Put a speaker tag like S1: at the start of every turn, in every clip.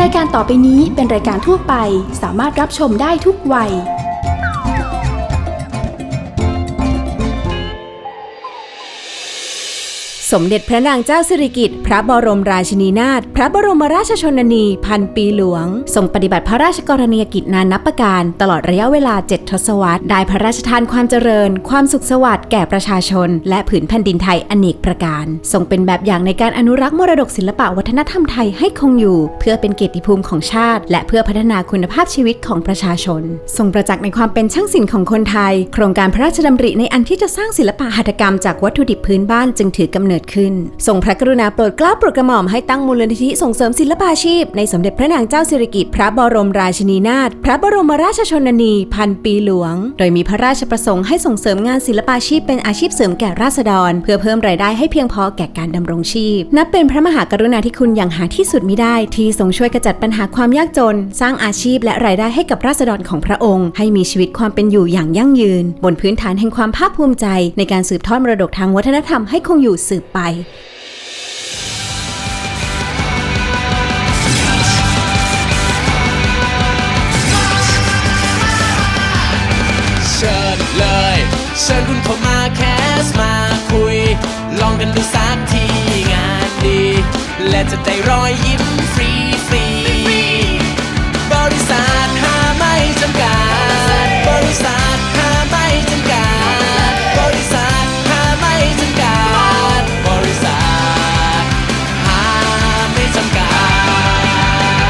S1: ายการต่อไปนี้เป็นรายการทั่วไปสามารถรับชมได้ทุกวัยสมเด็จพระนางเจ้าสิริกิติ์พระบรมราชินีนาถพระบรมราชชนนีพันปีหลวงทรงปฏิบัติพระราชกรณียกิจนานับประการตลอดระยะเวลา7 ทศวรรษได้พระราชทานความเจริญความสุขสวัสดิ์แก่ประชาชนและผืนแผ่นดินไทยอเนกประการทรงเป็นแบบอย่างในการอนุรักษ์มรดกศิลปวัฒนธรรมไทยให้คงอยู่เพื่อเป็นเกียรติภูมิของชาติและเพื่อพัฒนาคุณภาพชีวิตของประชาชนทรงประจักษ์ในความเป็นช่างศิลป์ของคนไทยโครงการพระราชดำริในอันที่จะสร้างศิลปหัตถกรรมจากวัตถุดิบพื้นบ้านจึงถือกำเนิดขึ้นทรงพระกรุณาโปรดเกล้าโปรดกระหม่อมให้ตั้งมูลนิธิส่งเสริมศิลปาชีพในสมเด็จพระนางเจ้าสิริกิติ์พระบรมราชินีนาถพระบรมราชชนนีพันปีหลวงโดยมีพระราชประสงค์ให้ส่งเสริมงานศิลปาชีพเป็นอาชีพเสริมแก่ราษฎรเพื่อเพิ่มรายได้ให้เพียงพอแก่การดำรงชีพนับเป็นพระมหากรุณาธิคุณอย่างหาที่สุดมิได้ที่ทรงช่วยกระจัดปัญหาความยากจนสร้างอาชีพและรายได้ให้กับราษฎรของพระองค์ให้มีชีวิตความเป็นอยู่อย่างยั่งยืนบนพื้นฐานแห่งความภาคภูมิใจในการสืบทอดมรดกทางวัฒนธรรมให้คงอยู่สืบไป
S2: เชิญคุณเข้ามาแคสมาคุยลองกันดูสักทีงานดีและจะได้รอยยิ้มฟรีฟรีบริษัทหาไม่จำกัดบริษัทหาไม่จำกัดบริษัทหาไม่จำกัดบริษัทหาไม่จำกัด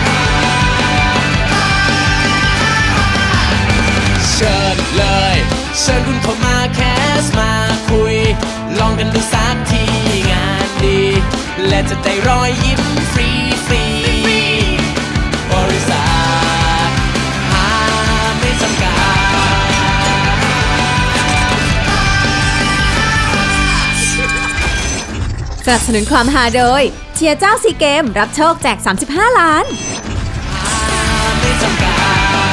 S2: เชิญเลยเชิญคุณเข้ามาแคสมาคุยลองกันดูสักทีงานดีและจะได้รอยยิ้มฟรีฟรีบริษัทหาไม่จำกัด
S1: สนับสนุนความฮาโดยเชียร์เจ้าซีเกมรับโชคแจก35 ล้าน
S2: ไม่จำกัด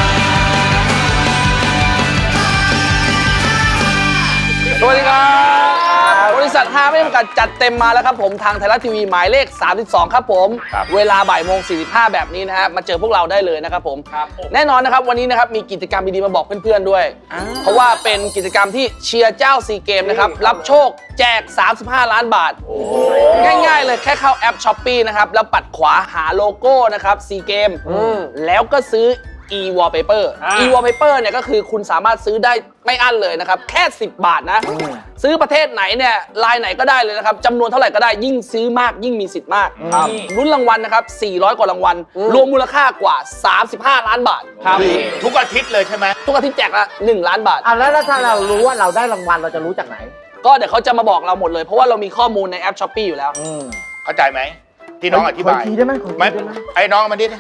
S3: สวัสดีครับบริษัท5ไม่จำกัดจัดเต็มมาแล้วครับผมทางไทยรัฐทีวีหมายเลข32ครับผมเวลาบ่ายโมง45แบบนี้นะฮะมาเจอพวกเราได้เลยนะครับผมแน่นอนนะครับวันนี้นะครับมีกิจกรรมดีๆมาบอกเพื่อนๆด้วยเพราะว่าเป็นกิจกรรมที่เชียร์เจ้าซีเกมนะครับรับโชคแจก35 ล้านบาทง่ายๆเลยแค่เข้าแอป Shopee นะครับแล้วปัดขวาหาโลโก้นะครับซีเกมแล้วก็ซื้อe-wallpaper e-wallpaper เนี่ยก็คือคุณสามารถซื้อได้ไม่อั้นเลยนะครับแค่10 บาทนะซื้อประเทศไหนเนี่ยลายไหนก็ได้เลยนะครับจำนวนเท่าไหร่ก็ได้ยิ่งซื้อมากยิ่งมีสิทธิ์มากลุ้นรางวัลนะครับ400 กว่ารางวัลรวมมูลค่ากว่า35 ล้านบาทครับ
S4: ทุกอาทิตย์เลยใช่ไหม
S3: ทุกอาทิตย์แจกละ1 ล้านบาท
S5: แล้วถ้าเรารู้ว่าเราได้รางวัลเราจะรู้จากไหน
S3: ก็เดี๋ยวเขาจะมาบอกเราหมดเลยเพราะว่าเรามีข้อมูลในแอป Shopee อยู่แล้ว
S4: เข้าใจไหมที่น้องอธิบาย
S5: ได้ไหม
S4: ไอ้น้องมันดิ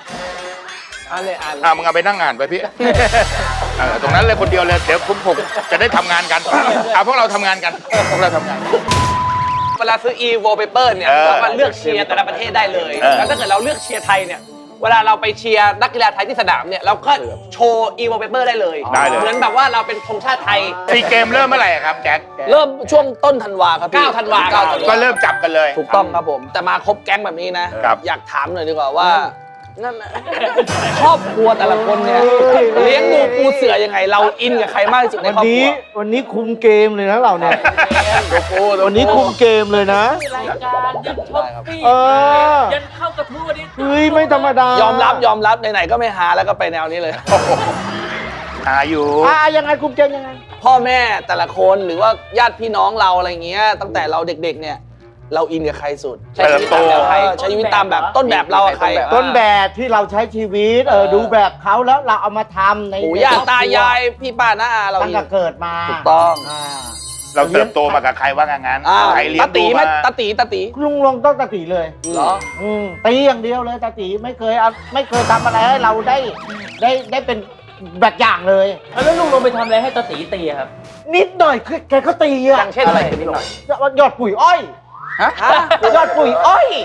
S3: อ่าน
S4: มึงเอาไปนั่งอ่านไปพี่ตรงนั้นเลยคนเดียวเลยเดี๋ยวผมจะได้ทำงานกันพวกเราทำงานกันพวกเราทำงาน
S3: เวลาซื้อ e-wallpaper เนี่ยเรามาเลือกเชียร์แต่ละประเทศได้เลยแล้วถ้าเกิดเราเลือกเชียร์ไทยเนี่ยเวลาเราไปเชียร์นักกีฬาไทยที่สนามเนี่ยเราก็โชว์ e-wallpaper ได้เลยเหมือนแบบว่าเราเป็นธงชาติไทย
S4: ซีเกมเริ่มเมื่อไหร่ครับแจ็ค
S3: เริ่มช่วงต้นธันวาครับพี่9 ธันวา
S4: ก็เริ่มจับกันเลย
S3: ถูกต้องครับผมแต่มาครบแก๊งแบบนี้นะอยากถามหน่อยดีกว่าว่านั่นนะครอบครัวแต่ละคนเนี่ยเลี้ยงดูปูเสือยังไงเราอินกับใครมากที่สุดในครอบครัว
S5: วันนี้คุมเกมเลยนะเราเนี่ยวันนี้คุมเกมเลยนะ
S2: รายการยันช็อปปี้ยันเข้ากระทู้วันนี้
S5: เฮ้ยไม่ธรรมดาย
S3: อมรับไหนๆก็ไม่หาแล้วก็ไปแนวนี้เลย
S4: หาอยู่
S5: ยังไงคุมเกมยังไง
S3: พ่อแม่แต่ละคนหรือว่าญาติพี่น้องเราอะไรเงี้ยตั้งแต่เราเด็กๆเนี่ยเราอินกับใครสุดใช้ชีวิตตามแบบใครใช้ชีวิตตามแบบต้นแบบเราใคร
S5: ต้นแบบที่เราใช้ชีวิตดูแบบเขาแล้วเราเอามาทำใน
S3: ปู่ย่าตายายพี่ป้าน้าอาเรา
S5: ตั้งแต่เกิดมา
S3: ถูกต้อง
S4: เราเติบโตมากับใครว่างั้นใครเลี้ยงดูมา
S3: ตาตี
S5: ลุงลงต้องตาตีเลย
S3: เหรอ
S5: ตีอย่างเดียวเลยตาตีไม่เคยทำอะไรให้เราได้เป็นแบบอย่างเลย
S2: แล้วลุงลงไปทำอะไรให้ตาตีตีครับ
S5: นิดหน่อยแกก็ตี
S3: อย่างเช่นอะไรนิดหน่อย
S5: ยอดปุ๋ยอ้อยยอดปุ๋ยอ้อย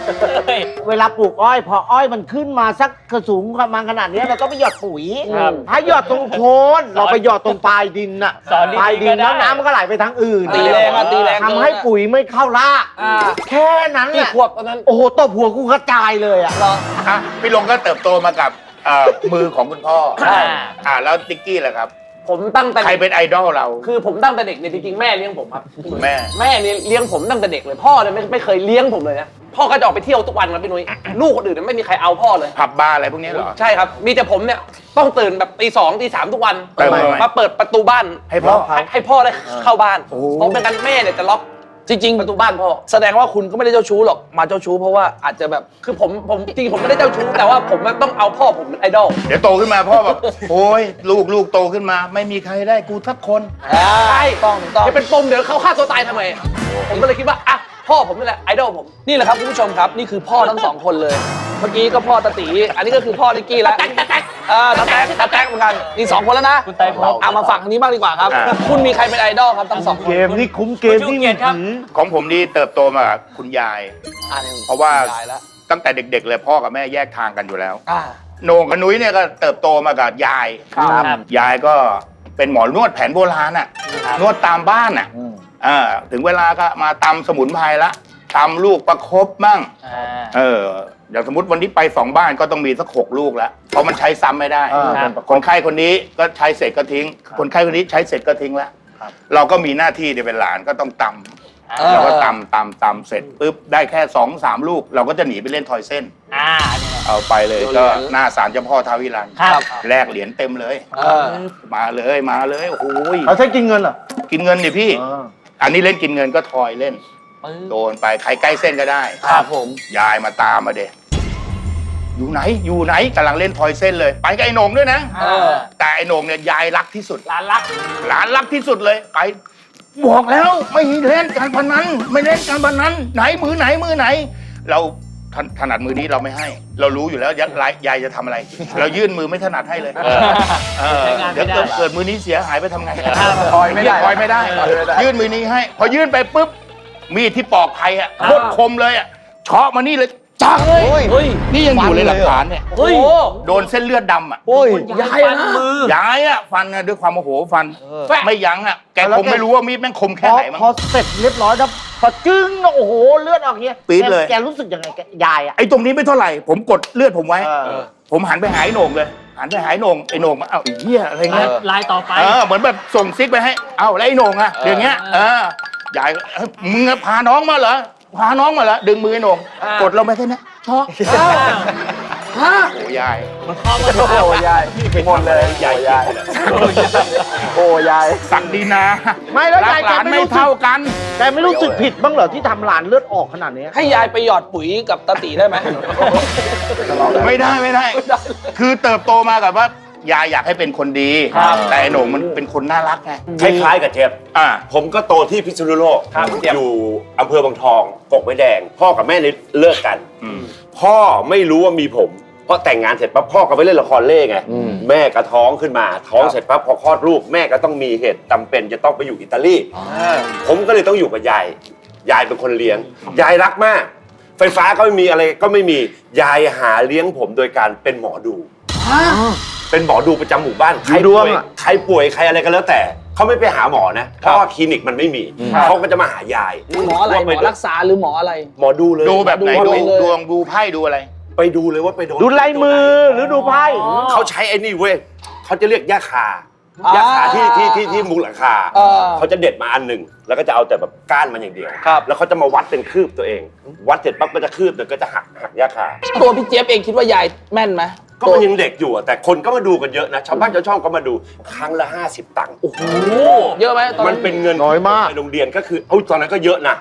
S5: เวลาปลูกอ้อย พออ้อยมันขึ้นมาสักกระสูงประมาณขนาดเนี้ยเราก็ไปหยอดปุ๋ยถ้าหยอดตรงโคนเราไปหยอดตรงปลายดินน่ะ
S6: สอนดีๆ
S5: ปลายดิน
S6: ก็ได้
S5: แล้วน้ำมันก็ไหลไปทางอื่น
S3: ตีแรงอะตีแรง
S5: ทำให้ปุ๋ยไม่เข้ารากแค่นั้นแห
S3: กี่
S5: ละ
S3: ขวบตอนนั้น
S5: โอ้โหตบหัวกูกระจายเลยอ่ะ
S4: อ่ะพี่ลงก็เติบโตมากับมือของคุณพ่อแล้วติ๊กกี้ล่ะครับ
S3: ผมตั้งแต่
S4: ใครเป็นไอดอลเรา
S3: คือผมตั้งแต่เด็กเนี่ยจริงๆแม่เลี้ยงผมครับ
S4: แม่
S3: แม่เนี่ยเลี้ยงผมตั้งแต่เด็กเลยพ่อเนี่ยไม่เคยเลี้ยงผมเลยนะพ่อก็จะออกไปเที่ยวทุกวันครับพี่นุ้ยลูกคนอื่นเนี่ยไม่มีใครเอาพ่อเลย
S4: ผับบาร์อะไรพวกนี้เหรอ
S3: ใช่ครับมีแต่ผมเนี่ยต้องตื่นแบบตี 2 ตี 3ทุกวัน
S4: ทำไม
S3: มาเปิดประตูบ้าน
S4: ให้พ่อ
S3: ให้พ่อได้เข้าบ้านเพราะเป็นกันแม่เนี่ยจะล็อกจริง ๆ ประตูบ้านพ่อแสดงว่าคุณก็ไม่ได้เจ้าชู้หรอกมาเจ้าชู้เพราะว่าอาจจะแบบคือผมจริงๆผมไม่ได้เจ้าชู้แต่ว่าผมต้องเอาพ่อผมเป็นไอดอล
S4: เดี๋ยวโตขึ้นมาพ่อแบบโอ้ยลูกโตขึ้นมา ไม่มีใครได้กูสักคน
S3: ใช่ต้องจะเป็นปมเดี๋ยวเขาฆ่าตัวตายทำไมผมก็เลยคิดว่าอ่ะพ่อผมนี่แหละไอดอลผมนี่แหละครับคุณผู้ชมครับนี่คือพ่อทั้งสองคนเลยเมื่อกี้ก็พ่อตาตีอันนี้ก็คือพ่อนิกกี้แล้วตาแต๊กเหมือนกันนี่2คนแล้วนะ
S6: คุณไตรภพ
S3: เอามาฝั่งนี้บ้างดีกว่าครับคุณมีใครเป็นไอดอลครับทั้งสองคน
S5: เกมนี่คุ้มเกมนี่
S6: คุณชูเกียรติครับ
S4: ของผมนี่เติบโตมากับคุณยาย เพราะว่า
S3: ตายแล้ว
S4: ตั้งแต่เด็กๆเลยพ่อกับแม่แยกทางกันอยู่แล้ว
S3: อ่า
S4: โหน่งกับนุ้ยเนี่ยก็เติบโตมากับยาย
S6: ครับ
S4: ยายก็เป็นหมอนวดแผนโบราณอ่ะนวดตามบ้านอ่ะถึงเวลาก็มาตำสมุนไพรละตำลูกประคบมั่งอย่างสมมติวันนี้ไป2 บ้านก็ต้องมีสัก6 ลูกแล้วเพราะมันใช้ซ้ำไม่ได้ คนไข้คนนี้ก็ใช้เสร็จก็ทิ้ง คนไข้คนนี้ใช้เสร็จก็ทิ้งแล้วเราก็มีหน้าที่เนี่ยเป็นหลานก็ต้องตำเราก็ตำเสร็จปุ๊บได้แค่2-3 ลูก เราก็จะหนีไปเล่นทอยเส้น เอาไปเลยก็หน้าศาลเจ้าพ่อท้าววิรัน
S6: ครับ
S4: แลกเหรียญเต็มเลยมาเลยโอ้โห
S5: เขาใช้กินเงินเหรอ
S4: กินเงินดิพี่ อันนี้เล่นกินเงินก็ทอยเล่น โดนไปใครใกล้เส้นก็ได้
S3: ครับผม
S4: ยายมาตามมาเด็อยู่ไหนกำลังเล่นทอยเส้นเลย ไปกับไอ้โหน่งด้วยนะแต่ไอ้โหน่งเนี่ยยายรักที่สุดหลานรักที่สุดเลยไปบอกแล้วไม่เล่นการพนันไม่เล่นการพนันไหนมือไหน เราถนัดมือนี้เราไม่ให้ เรารู้อยู่แล้วยายจะทำอะไร เรายื่นมือไม่ถนัดให้เลยเดี๋ยวเกิดมือนี้เสียหายไปทำไงทอยไม่ได้ยื่นมือนี้ให้ พอยื่นไปปุ๊บมีดที่ปอกไผ่อะโคตรคมเลยอะเฉาะมานี่เลยจังเลยนี่ยังอยู่เลยหลักฐานเนี่ย
S3: เฮ้ย
S4: โดนเส้นเลือดดำอะ
S3: ยายนะ
S4: ยายอะฟันอะด้วยความโมโหฟันไม่ยั้งอะแกคงไม่รู้ว่ามีดแม่งคมแค่ไหนมั้ง
S5: พอเสร็จเรียบร้อยแล้วพอจึ้งโอ้โหเลือดออกเงี้ย
S4: ปี๊ดเลย
S5: แกรู้สึกยังไงยายอ่ะ
S4: ไอ้ตรงนี้ไม่เท่าไหร่ผมกดเลือดผมไว้ ผมหันไปหาไอ้โหน่งเลยหันไปหาไอ้โหน่งไอ้โหน่งมาเอ้าไอ้เหี้ยอะไรเงี้ย
S6: ลายต่อไป
S4: เหมือนแบบส่งซิกไปให้เอ้าแล้วไอ้โหน่งอะอย่างเงี้ยยายมึงพาน้องมาเหรอดึงมือไอ้โหน่งกดลงไปแค่นี้ช็อกโอ้ยาย
S3: โอ้ยายหมดเลยยายโอ้ยาย
S4: ศักดินา
S5: ไม่แล้ว
S4: รั
S5: ยาย
S4: กหลานไม่เท่ากัน
S5: แกไม่รู้สึกผิดบ้างเหรอที่ทำหลานเลือดออกขนาดนี้
S3: ให้ยายไปหยอดปุ๋ยกับตาตีได้ไหม
S4: ไม่ได้ คือเติบโตมากับว่ายายอยากให้เป็นคนดี แต่ไอ้โหน่งมันเป็นคนน่ารักไง
S7: คล้ายๆกับเทปผมก็โตที่พิษณุโลกอยู่อำเภอบางทองกกไม้แดง พ่อกับแม่เนี่ยเลิกกัน พ่อไม่รู้ว่ามีผม เพราะแต่งงานเสร็จปั๊บพ่อก็ไปเล่นละครเล่ไงแม่ก็ท้องขึ้นมาท้องเสร็จปั๊บพอคลอดลูกแม่ก็ต้องมีเหตุจำเป็นจะต้องไปอยู่อิตาลีผมก็เลยต้องอยู่กับยายเป็นคนเลี้ยงยายรักมาก ไฟฟ้าก็ไม่มีอะไรก็ไม่มียายหาเลี้ยงผมโดยการเป็นหมอดูเป็นหมอดูประจำหมู่บ้านใครป่วยใครอะไรก็แล้วแต่เขาไม่ไปหาหมอนะเพราะว่าคลินิกมันไม่มีเขาก็จะมาหายาย
S3: หมออะไรหมอรักษาหรือหมออะไร
S7: หมอดูเลย
S4: ดูแบบไหน
S3: ดู
S4: ดวงดูไพ่ดูอะไร
S7: ไปดูเลยว่าไปโดน
S5: ดูลายมือหรือดูไพ่
S7: เขาใช้ไอ้นี่เว้ยเขาจะเรียกย่าคาที่มุงหลังคาเขาจะเด็ดมาอันหนึ่งแล้วก็จะเอาแต่แบบก้านมันอย่างเดียวแล้วเขาจะมาวัดเป็นคืบตัวเอง วัดเสร็จปั๊บก็จะคืบเดี๋ยวก็จะหักย่าคา
S3: ตัวพี่เจี๊ยบเองคิดว่ายายแม่นไหม
S7: ก็มันยังเด็กอยู่อะแต่คนก็มาดูกันเยอะนะชาวบ้านชาวช่องก็มาดูครั้งละ50 ตังค์
S3: เยอะไหมตอน
S7: มันเป็นเงิน
S5: น้อยมาก
S7: ในโรงเรียนก็คือตอนนั้นก็เยอะนะ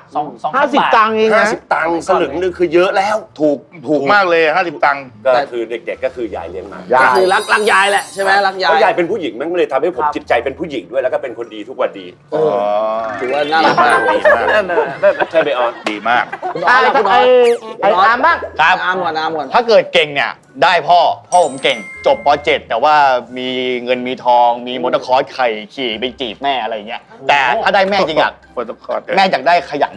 S5: 50 ตังค์เองนะ
S7: 50 ตังค์สลึงนึงคือเยอะแล้ว
S4: ถูกมากเลย50 ตังค์
S7: ก็คือเด็กๆก็คือยายเลี้ยงมา
S3: ก็คือรักยายแหละใช่ไหมรักยาย
S7: เพราะยายเป็นผู้หญิงมันก็เลยทำให้ผมจิตใจเป็นผู้หญิงด้วยแล้วก็เป็นคนดีทุกวันดี
S3: ถือว่าน่ารักมาก
S7: ใช่ไหมออน
S4: ดีมาก
S5: ไอ้อามบ้าง
S8: ครับ
S3: น้ำก่อน
S8: ถ้าเกิดเก่งเนี่ยได้พ่อผมเก่งจบป .7 แต่ว่ามีเงินมีทองมีมอเตอร์คอร์สขี่ไปจีบแม่อะไรอย่างเงี้ยแต่ถ้าได้แม่จริงอ่ะ
S4: โปรโตคอล
S8: แม่อยากได้ขยัน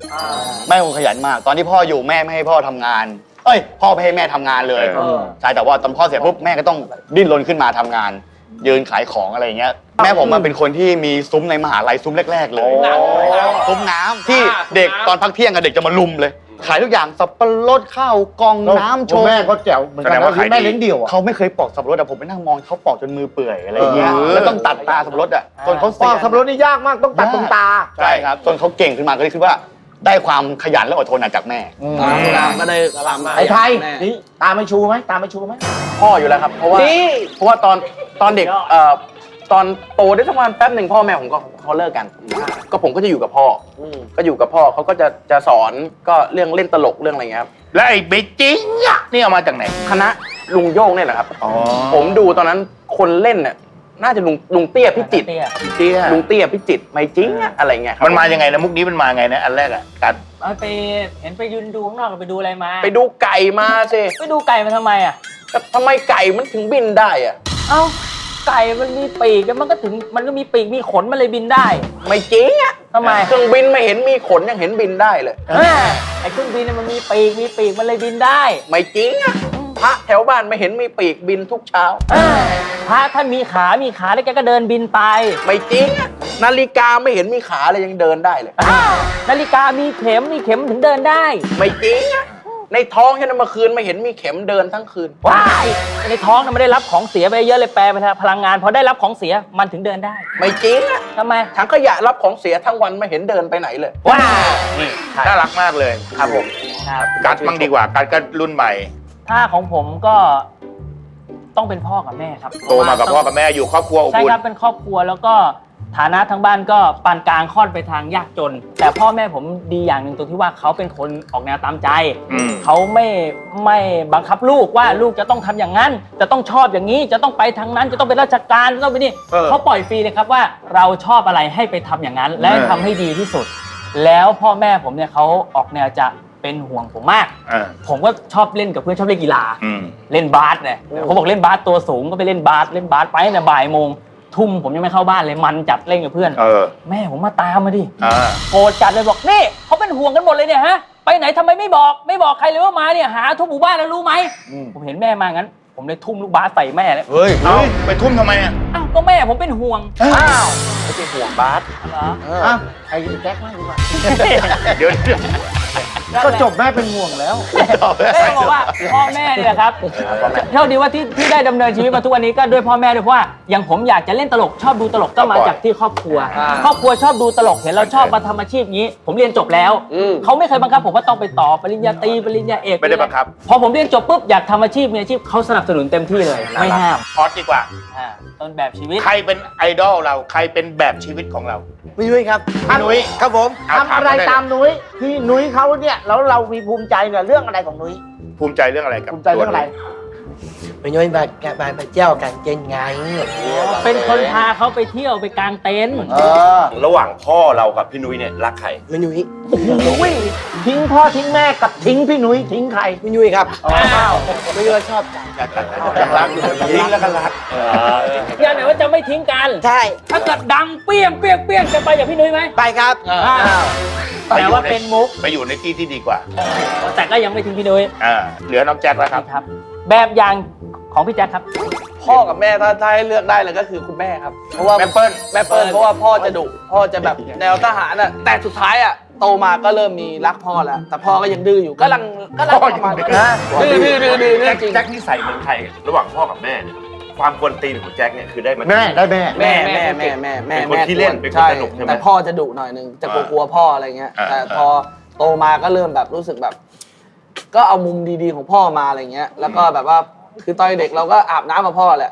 S8: แม่ผมขยันมาก ตอนที่พ่ออยู่แม่ไม่ให้พ่อทำงาน พ่อไม่ให้แม่ทำงานเลยใช่แต่ว่าตอนพ่อเสียปุ๊บแม่ก็ต้องดิ้นรนขึ้นมาทำงาน ยืนขายของอะไรอย่างเงี้ยแม่ผมมันเป็นคนที่มีซุ้มในมหาลัยซุ้มแรกๆเลยซุ้มน้ำที่เด็กตอนพักเที่ยงกับเด็กจะมาลุมเลย ขายทุกอย่างสับปะรดข้าวกล่องน้ำโชว์
S5: แม่ก็แจ๋วเหมือนกันนะแม่เลี้ยงเดี่ยวอะ
S8: เขาไม่เคยปอกสับปะรดแต่ผมไปนั่งมองเขาปอกจนมือเปื่อยอะไรอย่างเงี้ยแล้วต้องตัดตาสับปะรดจนเขา
S5: ป
S8: เสี
S5: อย กสับปะรดนี่ยากมากต้องตัดตรงตา
S8: ใช่ครับจนเขาเก่งขึ้นมาก็เลยคิดว่าได้ความขยันและอดทนจากแม่
S3: ก็ได้ตามมา
S5: ไอ้ไทย
S3: แม่
S5: นี่ตาไม่ชูไหมตาไม่ชูไหม
S3: พ่ออยู่แล้วครับ เพราะว่าตอนเด็กตอนโตได้สักวันแป๊บหนึ่งพ่อแม่ผมก็เขาเลิกกัน ก็ผมก็จะอยู่กับพ่อก็อยู่กับพ่อเขาก็จะสอนก็เรื่องเล่นตลกเรื่องอะไรเงี้ยครับ
S4: แล้วไอ้เบจิงอะนี่เอามาจากไหน
S3: คณะลุงโย่งเนี่ยแหละครับผมดูตอนนั้นคนเล่นเนี่ยน่าจะลุงเตี้ยพิจิตร
S4: เตี้ย
S3: ลุงเตี้ยพิจิตรไม่จริงอะอะไรเงี้ยครับ
S4: มันมายังไงนะมุกนี้มันมาไงนะอันแรกอะกัด
S6: ไปเห็นไปยืนดูข้างนอกไปดูอะไรมา
S3: ไปดูไก่มาสิ
S6: ไปดูไก่มาทำไมอ่ะ
S3: แต่ทำไมไก่มันถึงบินได้อะ
S6: เอ้าไก่มันมีปีกแล้วมันก็มีปีกมีขนมันเลยบินได้
S3: ไม่จริงอะ
S6: ทำไม
S3: เครื่องบินไม่เห็นมีขนยังเห็นบินได้เลย
S6: ไอ้เครื่องบินเนี่ยมันมีปีกมันเลยบินได้
S3: ไม่จริงอะพระแถวบ้านไม่เห็นมีปีกบินทุกเช้า
S6: พระท่านมีขาแล้วแกก็เดินบินไป
S3: ไม่จริงอะนาฬิกาไม่เห็นมีขาเลยยังเดินได้เลย
S6: นาฬิกามีเข็มถึงเดินได้
S3: ไม่จริงอะในท้องฉันนะเมื่อคืนไม่เห็นมีเข็มเดินทั้งคืน
S6: ว้ายในท้องน่ะไม่ได้รับของเสียไปเยอะเลยแปลไปพลังงานพอได้รับของเสียมันถึงเดินได้
S3: ไม่จริงอะ
S6: ทำไม
S3: ถังขยะรับของเสียทั้งวันไม่เห็นเดินไปไหนเลย
S6: ว้าย
S3: นี่
S4: น่ารักมากเลย
S3: ครับผม
S6: ครับ
S4: กัดมั่งดีกว่ากัดก็รุ่นใหม่
S6: ถ้าของผมก็ต้องเป็นพ่อกับแม่ครับ
S4: โตมากับพ่อกับแม่อยู่ครอบครัวอบ
S6: ใช่
S4: อุ่น
S6: ครับเป็นครอบครัวแล้วก็ฐานะทางบ้านก็ปานกลางค่อนไปทางยากจน แต่พ่อแม่ผมดีอย่างหนึ่งตรงที่ว่าเขาเป็นคนออกแนวตามใจ
S4: อืม
S6: เขาไม่บังคับลูกว่าลูกจะต้องทำอย่างนั้น จะต้องชอบอย่างนี้จะต้องไปทางนั้นจะต้องเป็นราชการจะต้องไปนี่เขาปล่อยฟรีเลยครับว่าเราชอบอะไรให้ไปทำอย่างนั้น และทำให้ดีที่สุด แล้วพ่อแม่ผมเนี่ยเขาออกแนวจะเป็นห่วงผมมาก ผมก็ชอบเล่นกับเพื่อนชอบเล่นกีฬา
S4: อืม
S6: เล่นบาสเนี่ยเขาบอกเล่นบาสตัวสูงก็ไปเล่นบาสไปตั้งแต่บ่ายโมงทุ่มผมยังไม่เข้าบ้านเลยมันจัดเล่นกับเพื่อน แม่ผมมาตามมาดิโกรธจัดเลยบอกนี่เขาเป็นห่วงกันหมดเลยเนี่ยฮะไปไหนทำไมไม่บอกใครเลยว่ามาเนี่ยหาทุกหมู่บ้านแล้วรู้ไหมผมเห็นแม่มางั้น ผมเลยทุ่มลูกบาสใส่แม่เลย
S4: เฮ้ยไปทุ่มทำไมอ่ะ
S6: อ้าวก็แม่ผมเป็นห่วง
S3: อ้าวไม่ใช่ห่วงบาส
S6: เหรอ
S5: อ่ะไอ้แจ็คมากดีกว่า
S4: เดี๋ยว
S5: ก็จบแม่เป็นห่วงแล้ว
S6: แม่บอกว่าพ่อแม่เนี่ยครับเท่าดีว่าที่ได้ดำเนินชีวิตมาทุกวันนี้ก็ด้วยพ่อแม่ด้วยเพราะว่าอย่างผมอยากจะเล่นตลกชอบดูตลกก็มาจากที่ครอบครัว ครอบครัวชอบดูตลกเห็นเราชอบมาทำอาชีพนี้ ผมเรียนจบแล้วเขาไม่เคยบังคับผมว่าต้องไปต่อปริญญาตรีปริญญาเอก
S4: ไม่ได้บังคับ
S6: พอผมเรียนจบปุ๊บอยากทำอาชีพมีอาชีพเขาสนับสนุนเต็มที่เลยไม่ห้าม
S4: พอดดีกว่า
S6: ต้นแบบชีวิต
S4: ใครเป็นไอดอลเราใครเป็นแบบชีวิตของเรา
S5: พี่นุ้ยครับ
S4: พี่นุ้ย
S5: ครับผม
S4: เอา
S5: ทำอะไร
S4: ถามมาได้
S5: ตามนุ้ยที่นุ้ยเขาเนี่ยแล้วเรามีภูมิใจเนี่ยเรื่องอะไรของนุ้ย
S4: ภูมิใจเรื่องอะไรกับ
S5: ภูมิใจเรื่องอะไร
S9: ไปย้อยมาเที่ยวกันเจนไง
S6: เป็นคนพาเขาไปเที่ยวไปกางเต็นท์
S7: ระหว่างพ่อเรากับพี่นุ้ยเนี่ยรักใคร
S9: ไม่นุ้ย
S5: อุ้ยทิ้งพ่อทิ้งแม่กับทิ้งพี่นุ้ยทิ้งใคร
S9: ไม่นุ้ยครับ
S6: อ้าว
S9: ไม่นุ้ยชอบกัน
S4: ยังรักอยู่
S7: ทิ้งแล้วก็รัก
S6: อย่าไหนว่าจะไม่ทิ้งกัน
S9: ใช่
S6: ถ้าเกิดดังเปี้ยงจะไปอย่างพี่นุ้ยไหม
S9: ไปครับ
S6: แต่ว่าเป็นมุก
S4: ไปอยู่ในที่ที่ดีกว่า
S6: แต่ก็ยังไม่ทิ้งพี่นุ้ย
S4: เหลือน้องแจ็คแล้วครับ
S6: ครับ แบบอย่างของพี่แจ๊คครับ
S3: พ่อกับแม่ถ้าให้เลือกได้เลยก็คือคุณแม่ครับเพราะว่า
S4: แม่เปิ้ล
S3: เพราะว่าพ่อจะดุพ่อจะแบบแนวทหารอ่ะแต่สุดท้ายอ่ะโตมาก็เริ่มมีรักพ่อแล้วแต่พ่อก็ยังดื้ออยู่ก็รัก
S4: พ่อยัง
S3: ประมาณ
S4: ดื้อ
S3: ดื้อจริง
S7: แจ็คนี่ใส่เหมือนใครระหว่างพ่อกับแม่เนี่ยความกวนตีนของแจ็คเนี่ยคือได้มา
S5: แม่ได้แม่
S3: แม่
S7: เป็นคนขี้เล่นเป็นคนสนุกใช่ไหม
S3: แต่พ่อจะดุหน่อยนึงจะกลัวพ่ออะไรเงี้ยแต่พอโตมาก็เริ่มแบบรู้สึกแบบ ก็เอามุมดีๆของพ่อมาอะไรเงี้ยแล้วก็แบบว่าคือตอนเด็กเราก็อาบน้ำกับพ่อแหละ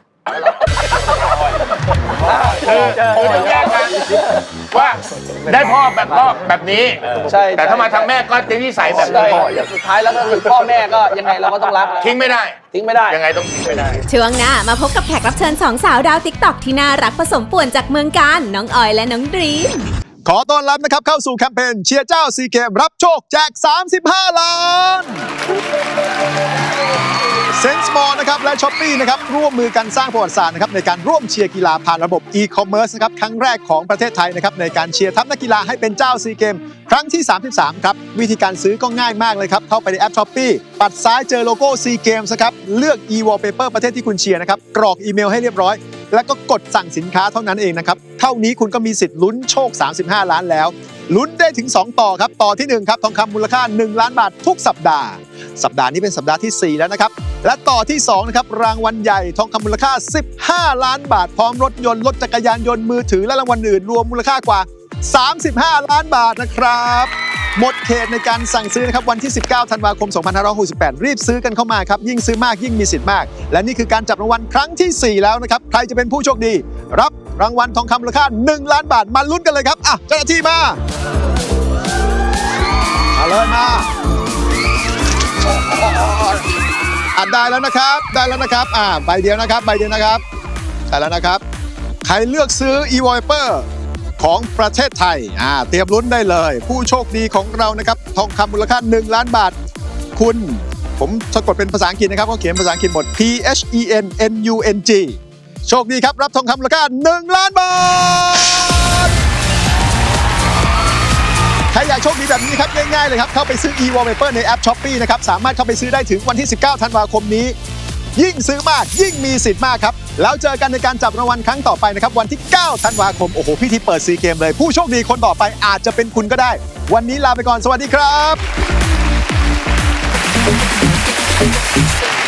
S4: ต้องแยกกันว่าได้พ่อแบบนี้
S3: ใช่
S4: แต่ถ้ามาทางแม่ก็จะนิสัยแบบ
S3: ใช่
S4: นี้
S3: สุดท้ายแล้วก็คือพ่อแม่ก็ยังไงเราก็ต้องรัก
S4: ทิ้งไม่ได้
S3: ทิ้งไม่ได้
S4: ยังไงต้องทิ้งไม่ได้
S1: ช่วงหน้ามาพบกับแขกรับเชิญสองสาวดาวติ๊กตอกที่น่ารักผสมป่วนจากเมืองการน้องออยและน้องดรีม
S10: ขอต้อนรับนะครับเข้าสู่แคมเปญเชียร์เจ้าซีเกมรับโชคแจก 35 ล้านเซนส์มอลนะครับครับและ Shopee นะครับร่วมมือกันสร้างประวัติศาสตร์นะครับในการร่วมเชียร์กีฬาผ่านระบบ e-commerce นะครับครั้งแรกของประเทศไทยนะครับในการเชียร์ทัพนักกีฬาให้เป็นเจ้าซีเกมครั้งที่ 33 ครับวิธีการซื้อก็ง่ายมากเลยครับเข้าไปในแอป Shopee ปัดซ้ายเจอโลโก้ SEA Games นะครับเลือก e-wallpaper ประเทศที่คุณเชียร์นะครับกรอกอีเมลให้เรียบร้อยแล้วก็กดสั่งสินค้าเท่านั้นเองนะครับเท่านี้คุณก็มีสิทธิ์ลุ้นโชค35ล้านแล้วลุ้นได้ถึง2ต่อครับต่อที่1ครับทองคำมูลค่า1ล้านบาททุกสัปดาห์นี้เป็นสัปดาห์ที่4แล้วนะครับและต่อที่2นะครับรางวัลใหญ่ทองคำมูลค่า15ล้านบาทพร้อมรถยนต์รถจักรยานยนต์มือถือและรางวัลอื่นรวมมูลค่ากว่า35ล้านบาทนะครับหมดเขตในการสั่งซื้อนะครับวันที่19ธันวาคม2568รีบซื้อกันเข้ามาครับยิ่งซื้อมากยิ่งมีสิทธิ์มากและนี่คือการจับรางวัลครั้งที่4แล้วนะครับใครจะเป็นผู้โชคดีรับรางวัลทองคำมูลค่า1ล้านบาทมาลุ้นกันเลยครับอ่ะเจ้าหน้าที่มาเลยมาได้แล้วนะครับใบเดียวนะครับได้แล้วนะครับใครเลือกซื้อ e-wallpaper ของประเทศไทยเตรียมลุ้นได้เลยผู้โชคดีของเรานะครับทองคำมูลค่า1ล้านบาทคุณผมสะกดเป็นภาษาอังกฤษนะครับเขาเขียนภาษาอังกฤษหมด PHENNUNG โชคดีครับรับทองคำมูลค่า1ล้านบาทใครอยากโชคดีแบบนี้ครับง่ายๆเลยครับเข้าไปซื้อ e-wallpaper ในแอป Shopee นะครับสามารถเข้าไปซื้อได้ถึงวันที่19ธันวาคมนี้ยิ่งซื้อมากยิ่งมีสิทธิ์มากครับแล้วเจอกันในการจับรางวัลครั้งต่อไปนะครับวันที่9ธันวาคมโอ้โหพิธีเปิดซีเกมเลยผู้โชคดีคนต่อไปอาจจะเป็นคุณก็ได้วันนี้ลาไปก่อนสวัสดีครับ